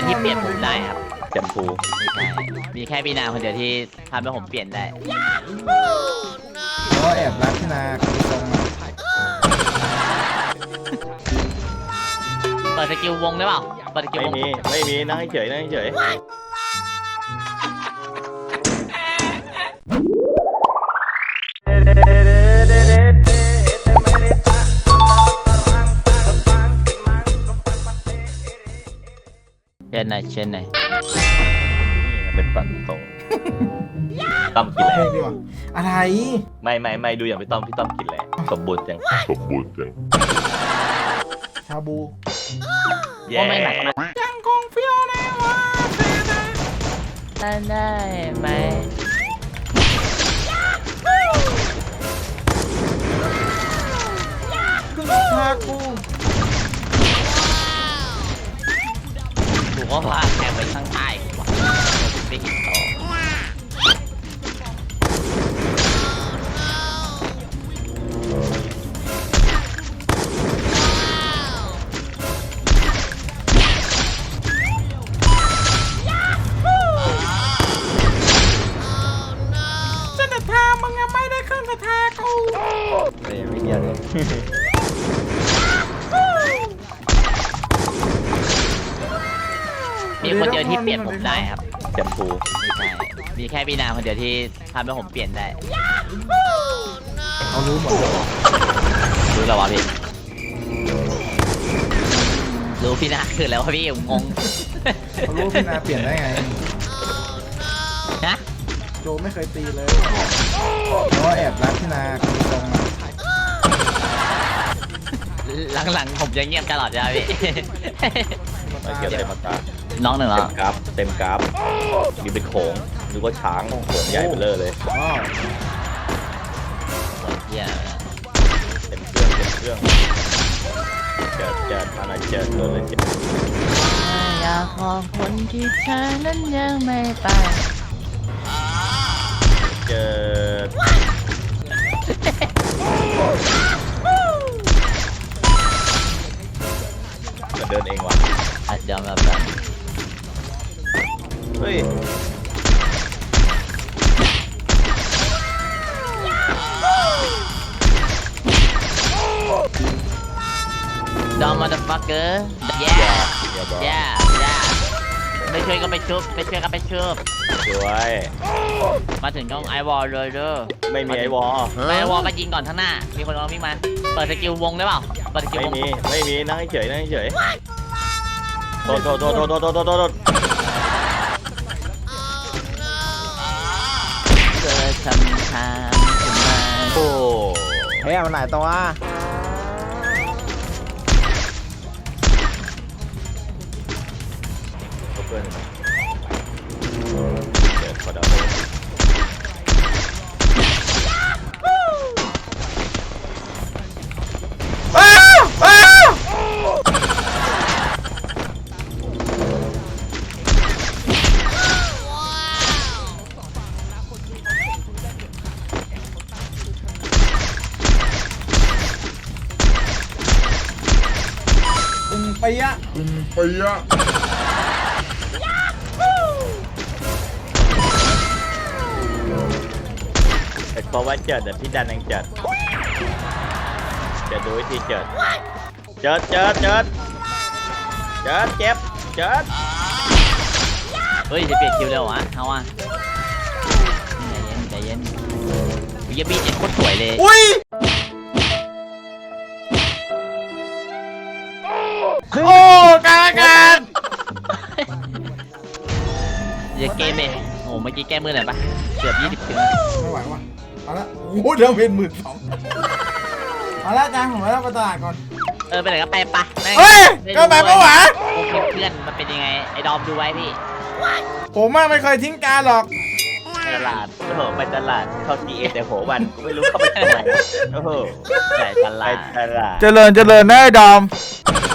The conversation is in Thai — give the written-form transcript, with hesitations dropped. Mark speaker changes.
Speaker 1: ยวที่เปลี่ยนผมได้ครับ
Speaker 2: แชมพู
Speaker 1: ใช่มีแค่พี่นาคนเดียวที่ทำให้ผมเปลี่ยนได้
Speaker 3: ก็แอบรักพี่นาคือตรง
Speaker 1: เปิดสกิลวงได้เปล่าเปิดสกิล
Speaker 2: ไม่
Speaker 1: วง
Speaker 2: มีนั่งเฉยนั่งเฉย
Speaker 1: เช่นไหนเช่นไหน
Speaker 2: นี่มันเป็นปักตรงต้อมกิน
Speaker 3: เพ
Speaker 2: แล้
Speaker 3: ล
Speaker 2: ว
Speaker 3: งดีกว่าอะไร
Speaker 2: ไม่ดูอย่างพี่ต้อมกินแล้วสมบูรณ์จัง
Speaker 3: ชาบู
Speaker 2: แย่
Speaker 1: ก็ไม่หนักนะ
Speaker 3: ยังคงเฟี้ยวแน่ว่า
Speaker 1: ได้ไหม
Speaker 3: คือชากู
Speaker 1: ถูกว่าพาแข่งไปข้างใต้ว่ะไปหินต่อ
Speaker 3: เส้นทางมึงยังไม่ได้ขึ้นสถากู
Speaker 2: ไม่เกี่ยวเลย
Speaker 1: มีคนเดียวที่เปลี่ยนผมได้ครับ
Speaker 2: แชมพู
Speaker 1: ใช่มีแค่พี่นาคนเดียวที่ทำให้ผมเปลี่ยนได้
Speaker 3: เขารู้หมดเลย
Speaker 1: รู้แล้ววะพี่รู้พี่นาคือแล้ววะพี่ผมงง
Speaker 3: เขารู้พี่นาเปลี่ยนได้ไง
Speaker 1: นะ
Speaker 3: โจไม่เคยตีเลยก็แอบรักพี่นาคือตรง
Speaker 1: หลังๆผมจะเงียบตลอดเลยพี่
Speaker 2: มาเกี่ยวเต็มตา
Speaker 1: น้องหนึ่งเหร
Speaker 2: เต็
Speaker 1: อ
Speaker 2: มกราฟมีเป็นโขงนึกว่าช้างโขงใหญ่เบ้อเร่อเลย
Speaker 3: อ๋อ
Speaker 1: เหี้ย
Speaker 2: เต็มเครื่องเจิดมาหน่อยเจิดโดนเลยเจิด
Speaker 1: อยากขอบคนที่เธอนั้นยังไม่ไป
Speaker 2: เจิดจะเดินเองวะ
Speaker 1: อาจจะแบบ
Speaker 2: เฮ้ย
Speaker 1: ดอมมาเดอะฟักเกอร์แย่
Speaker 2: เดี๋ยวบอก
Speaker 1: แย่ไม่ช่วยก็ไปชุบไม่ช่วยก็ไปชุบ
Speaker 2: สวย
Speaker 1: มาถึงต้องไอวอลเลยเด้อ
Speaker 2: ไม่มีไอวอล
Speaker 1: ไอวอลก็ยิงก่อนข้างหน้ามีคนเอาวิ่งมาเปิดสกิลวงได้เปล่าเปิดสกิล
Speaker 2: ไม่
Speaker 1: วง
Speaker 2: มีนั่งเฉยโทษ
Speaker 1: เจอคำถามขึ้นมา
Speaker 2: โอ้
Speaker 3: เฮ้ยมันหลายตัว
Speaker 2: เพื่อนเจิดขอดาวเลย
Speaker 3: อึงไปยะ
Speaker 2: เพราะว่าเจิดแต่พี่ดันยังเจิดดูวิธีเจิดเจ็บ
Speaker 1: เฮ้ยจะเปลี่ยนคิวเร็ววะเอาว่ะใจเย็นวิยาบีเจ็ดโคตรสวยเลย
Speaker 3: อุ้ยโอ้กลางอากาศ
Speaker 1: อย่าเกมเองโอ้เมื่อกี้แก้มือหน่อยปะเกือบ20ถึง
Speaker 3: ไม่ไหวว่ะมาละโอ้เดี๋ยวเป็น12,000มาละจานผมแล้วไปตลาดก่อน
Speaker 1: ไปไหนก็ไปปะแม่ง
Speaker 3: เฮ้ยก็ไปปะวะ
Speaker 1: โอเคเพื่อนมันเป็นยังไงไอ้ดอมดูไว้พี่
Speaker 3: ผมไม่เคยทิ้งการหรอก
Speaker 2: ตลาดโอ้โหไปตลาดเข้าทีเอแต่โหวันกูไม่รู้เข้าไปทำไมโอ้โห
Speaker 1: ใส่ต
Speaker 2: ไป
Speaker 1: ลาด
Speaker 2: ตลาด
Speaker 3: เจริญนะไอ้ดอม